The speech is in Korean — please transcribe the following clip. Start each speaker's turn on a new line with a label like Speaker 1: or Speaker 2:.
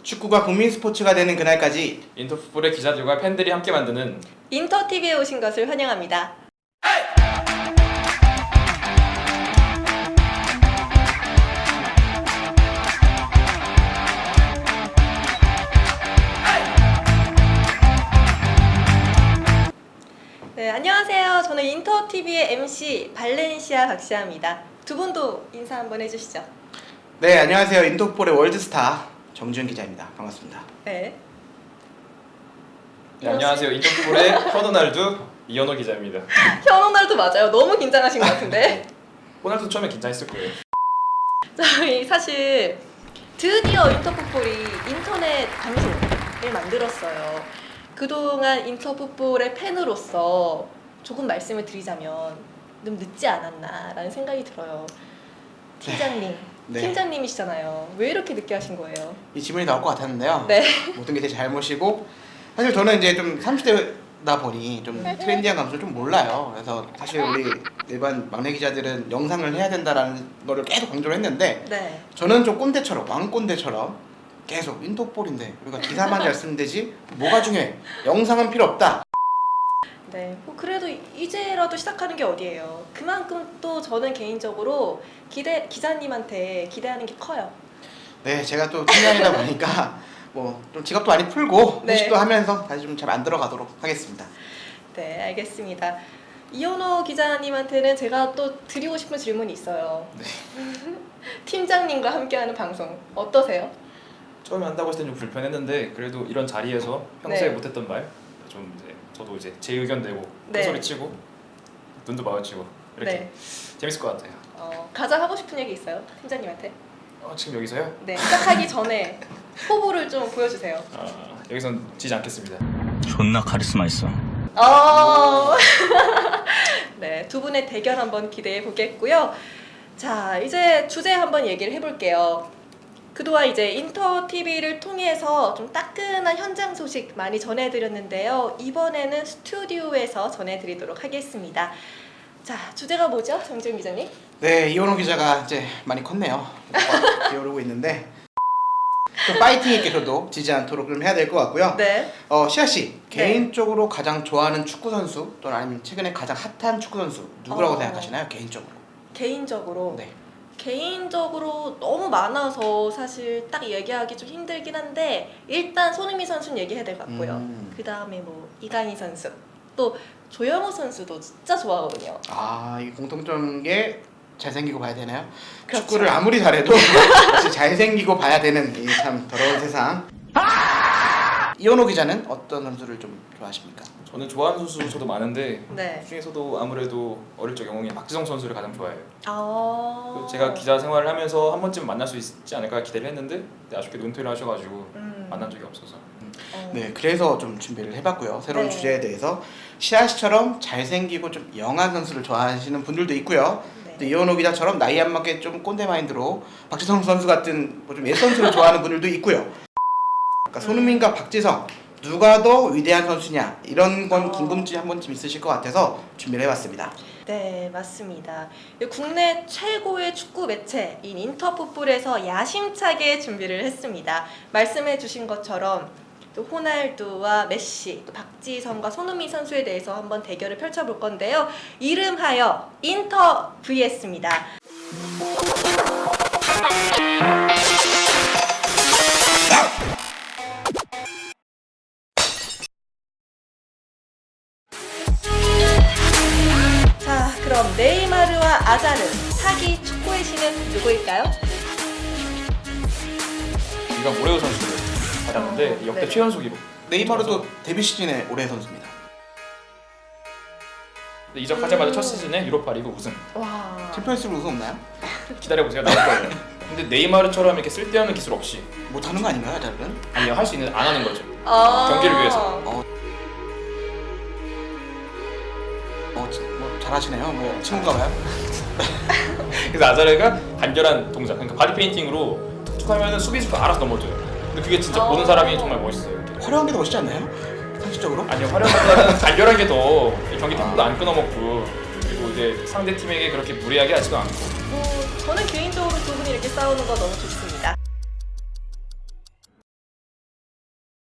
Speaker 1: 축구가 국민 스포츠가 되는 그날까지
Speaker 2: 인터풋볼의 기자들과 팬들이 함께 만드는
Speaker 3: 인터TV에 오신 것을 환영합니다. 네, 안녕하세요. 저는 인터TV의 MC 발렌시아 박시아입니다. 두 분도 인사 한번 해주시죠.
Speaker 1: 네, 안녕하세요. 인터풋볼의 월드스타 정지훈 기자입니다. 반갑습니다.
Speaker 3: 네.
Speaker 2: 네, 안녕하세요. 인터풋볼의 호날두 이현호 기자입니다.
Speaker 3: 현호날두 맞아요. 너무 긴장하신 것 같은데.
Speaker 2: 호날두 처음에 긴장했을 거예요.
Speaker 3: 저희 사실 드디어 인터풋볼이 인터넷 방송을 만들었어요. 그동안 인터풋볼의 팬으로서 조금 말씀을 드리자면 좀 늦지 않았나라는 생각이 들어요. 팀장님,
Speaker 1: 네.
Speaker 3: 팀장님이시잖아요. 왜 이렇게 늦게 하신 거예요?
Speaker 1: 이 질문이 나올 것 같았는데요.
Speaker 3: 네.
Speaker 1: 모든 게 제 잘못이고 사실 저는 이제 좀 30대다 보니 좀 트렌디한 감성을 좀 몰라요. 그래서 사실 우리 일반 막내 기자들은 영상을 해야 된다라는 거를 계속 강조를 했는데
Speaker 3: 네.
Speaker 1: 저는 좀 꼰대처럼 왕꼰대처럼 계속 인터풋볼인데 우리가 기사만 잘 쓰면 되지 뭐가 중요해? 영상은 필요 없다.
Speaker 3: 네. 뭐 그래도 이제라도 시작하는 게 어디예요. 그만큼 또 저는 개인적으로 기자님한테 기대하는 게 커요.
Speaker 1: 네, 제가 또 팀장이다 보니까 뭐 좀 직업도 많이 풀고
Speaker 3: 네.
Speaker 1: 회식도 하면서 다시 좀 잘 안 들어가도록 하겠습니다.
Speaker 3: 네, 알겠습니다. 이현호 기자님한테는 제가 또 드리고 싶은 질문이 있어요.
Speaker 1: 네.
Speaker 3: 팀장님과 함께하는 방송 어떠세요?
Speaker 2: 처음에 한다고 했을 때 좀 불편했는데 그래도 이런 자리에서 평소에
Speaker 3: 네. 못했던
Speaker 2: 못했던 말 좀 이제 저도 이제 제 의견 내고
Speaker 3: 네.
Speaker 2: 소리 치고 눈도 마주치고 이렇게
Speaker 3: 네.
Speaker 2: 재밌을 것 같아요.
Speaker 3: 가장 하고 싶은 얘기 있어요? 팀장님한테?
Speaker 2: 지금 여기서요?
Speaker 3: 네, 시작하기 전에 포부를 좀 보여주세요.
Speaker 2: 여기선 지지 않겠습니다.
Speaker 4: 존나 카리스마 있어.
Speaker 3: 네, 두 분의 대결 한번 기대해 보겠고요. 자, 이제 주제 한번 얘기를 해볼게요. 그동안 이제 인터TV를 통해서 좀 따끈한 현장 소식 많이 전해드렸는데요. 이번에는 스튜디오에서 전해드리도록 하겠습니다. 자, 주제가 뭐죠, 정지훈 기자님?
Speaker 1: 네, 이현호 기자가 이제 많이 컸네요. 기어오르고 있는데 좀 파이팅 있게 저도 지지 않도록 좀 해야 될 것 같고요.
Speaker 3: 네.
Speaker 1: 시아 씨
Speaker 3: 네.
Speaker 1: 개인적으로 가장 좋아하는 축구 선수 또는 아니면 최근에 가장 핫한 축구 선수 누구라고
Speaker 3: 어.
Speaker 1: 생각하시나요? 개인적으로.
Speaker 3: 개인적으로.
Speaker 1: 네.
Speaker 3: 개인적으로 너무 많아서 사실 딱 얘기하기 좀 힘들긴 한데 일단 손흥민 선수는 얘기해야 될 것 같고요. 그 다음에 뭐 이강인 선수, 또 조영호 선수도 진짜 좋아하거든요.
Speaker 1: 이 공통점인 게 잘생기고 봐야 되나요?
Speaker 3: 그렇죠.
Speaker 1: 축구를 아무리 잘해도 역시 잘생기고 봐야 되는 이 참 더러운 세상. 이현호 기자는 어떤 선수를 좀 좋아하십니까?
Speaker 2: 저는 좋아하는 선수 저도 많은데
Speaker 3: 네.
Speaker 2: 그 중에서도 아무래도 어릴 적 영웅인 박지성 선수를 가장 좋아해요.
Speaker 3: 아.
Speaker 2: 제가 기자 생활을 하면서 한 번쯤 만날 수 있지 않을까 기대를 했는데 아쉽게 은퇴를 하셔가지고 만난 적이 없어서.
Speaker 1: 네, 그래서 좀 준비를 해봤고요. 새로운
Speaker 3: 네.
Speaker 1: 주제에 대해서 시아 씨처럼 잘생기고 좀 영한 선수를 좋아하시는 분들도 있고요.
Speaker 3: 네.
Speaker 1: 또 이현호 기자처럼 나이 안 맞게 좀 꼰대 마인드로 박지성 선수 같은 뭐 좀 옛 선수를 좋아하는 분들도 있고요. 그러니까 손흥민과 박지성 누가 더 위대한 선수냐 이런 건 궁금증이 한 번쯤 있으실 것 같아서 준비를 해봤습니다.
Speaker 3: 네, 맞습니다. 국내 최고의 축구 매체인 인터풋볼에서 야심차게 준비를 했습니다. 말씀해주신 것처럼 또 호날두와 메시, 또 박지성과 손흥민 선수에 대해서 한번 대결을 펼쳐볼 건데요. 이름하여 인터 vs입니다. 자, 그럼 네이마르와 아자르 사기 축구의 신은 누구일까요?
Speaker 2: 이건 모레오 선수를 받았는데 역대
Speaker 3: 네.
Speaker 2: 최연소 기록.
Speaker 1: 네이마르도 데뷔 시즌에 올해 선수입니다.
Speaker 2: 근데 이적하자마자 첫 시즌에 유로파 리그 우승.
Speaker 3: 와.
Speaker 1: 챔피언스리그 우승 없나요?
Speaker 2: 기다려보세요. 나올 거예요. 근데 네이마르처럼 이렇게 쓸데없는 기술 없이
Speaker 1: 못하는 거 아닌가요, 아자르는?
Speaker 2: 아니요, 할 수 있는 안 하는 거죠.
Speaker 3: 아.
Speaker 2: 경기를 위해서.
Speaker 1: 뭐 잘하시네요. 뭐 친구가 봐요.
Speaker 2: 그래서 아자르가 간결한 동작, 그러니까 바디 페인팅으로 툭툭 하면은 수비수가 알아서 넘어져요. 근데 그게 진짜 보는 사람이 정말 멋있어요.
Speaker 1: 화려한 게 더 멋있지 않나요? 상식적으로?
Speaker 2: 아니요, 활용보다는 간결한 게 더 경기 템포도 안 끊어먹고 그리고 이제 상대 팀에게 그렇게 무리하게 하지도 않고.
Speaker 3: 저는 개인적으로 두 분이 이렇게 싸우는 거 너무 좋습니다.